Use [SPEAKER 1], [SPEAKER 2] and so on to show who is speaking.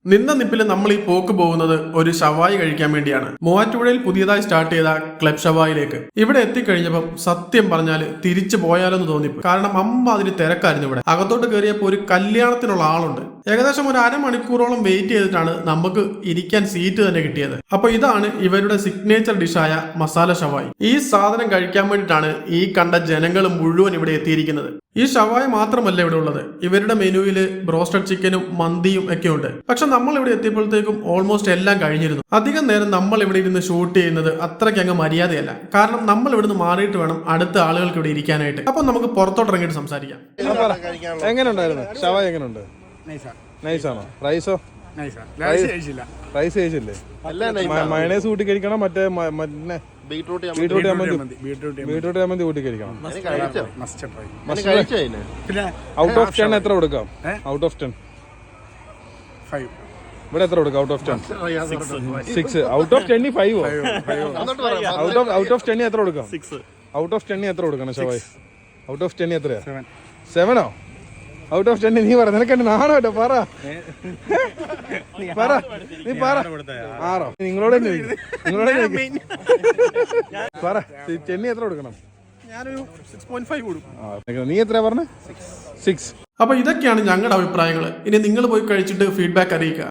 [SPEAKER 1] നിന്ന നിപ്പിൽ നമ്മൾ ഈ പോക്ക് പോകുന്നത് ഒരു ഷവായി കഴിക്കാൻ വേണ്ടിയാണ്. മൂവാറ്റുപുഴയിൽ പുതിയതായി സ്റ്റാർട്ട് ചെയ്ത ക്ലബ് ഷവായിലേക്ക് ഇവിടെ എത്തിക്കഴിഞ്ഞപ്പം സത്യം പറഞ്ഞാൽ തിരിച്ചു പോയാലോന്ന് തോന്നിപ്പോ. കാരണം അതിന് തിരക്കായിരുന്നു ഇവിടെ. അകത്തോട്ട് കയറിയപ്പോൾ ഒരു കല്യാണത്തിനുള്ള ആളുണ്ട്. ഏകദേശം ഒരു അരമണിക്കൂറോളം വെയിറ്റ് ചെയ്തിട്ടാണ് നമുക്ക് ഇരിക്കാൻ സീറ്റ് തന്നെ കിട്ടിയത്. അപ്പൊ ഇതാണ് ഇവരുടെ സിഗ്നേച്ചർ ഡിഷായ മസാല ഷവായി. ഈ സാധനം കഴിക്കാൻ വേണ്ടിയിട്ടാണ് ഈ കണ്ട ജനങ്ങൾ മുഴുവൻ ഇവിടെ എത്തിയിരിക്കുന്നത്. ഈ ഷവായി മാത്രമല്ല ഇവിടെ ഉള്ളത്. ഇവരുടെ മെനുവിൽ ബ്രോസ്റ്റഡ് ചിക്കനും മന്തിയും ഒക്കെ ഉണ്ട്. പക്ഷെ നമ്മൾ ഇവിടെ എത്തിയപ്പോഴത്തേക്കും ഓൾമോസ്റ്റ് എല്ലാം കഴിഞ്ഞിരുന്നു. അധികം നേരം നമ്മൾ ഇവിടെ ഇരുന്ന് ഷൂട്ട് ചെയ്യുന്നത് അത്രയ്ക്ക് അങ്ങ് മര്യാദയല്ല. കാരണം നമ്മൾ ഇവിടുന്ന് മാറിയിട്ട് വേണം അടുത്ത ആളുകൾക്ക് ഇവിടെ ഇരിക്കാനായിട്ട്. അപ്പൊ നമുക്ക് പുറത്തോട്ട് ഇറങ്ങിയിട്ട് സംസാരിക്കാം.
[SPEAKER 2] എങ്ങനെയുണ്ടായിരുന്നു ഷവായി? എങ്ങനെയുണ്ട്? നൈസാണോ? റൈസോ? റൈസ് കഴിച്ചില്ലേ? മയണൈസ് കൂട്ടി കഴിക്കണം. മറ്റേ ബീട്രൂട്ട് ചമ്മന്തി കൂട്ടി കഴിക്കണം. ഔട്ട് ഓഫ് 10 എത്ര കൊടുക്കാം? ഔട്ട് ഓഫ് 10 ഇവിടെ എത്ര കൊടുക്കാം? Out of 10 6. Out of 10 5. Out of 10 എത്ര കൊടുക്കാം? ഔട്ട് ഓഫ് 10 എത്ര കൊടുക്കണം ഷവായി? ഔട്ട് ഓഫ് 10 എത്രയാ? 7ഓ? ഔട്ട് ഓഫ് 10 നീ പറ. നിനക്കെന്നെ നാണോ കേട്ടോ? പറ നീ പറ. 6ഓ? നിങ്ങളോട് പറ. 10 എത്ര കൊടുക്കണം?
[SPEAKER 1] ഞാനൊരു 6.5 കൊടുക്കും.
[SPEAKER 2] നീ എത്രയാ പറഞ്ഞ? 6.
[SPEAKER 1] അപ്പൊ ഇതൊക്കെയാണ് ഞങ്ങളുടെ അഭിപ്രായങ്ങൾ. ഇനി നിങ്ങൾ പോയി കഴിച്ചിട്ട് ഫീഡ്ബാക്ക് അറിയിക്കുക.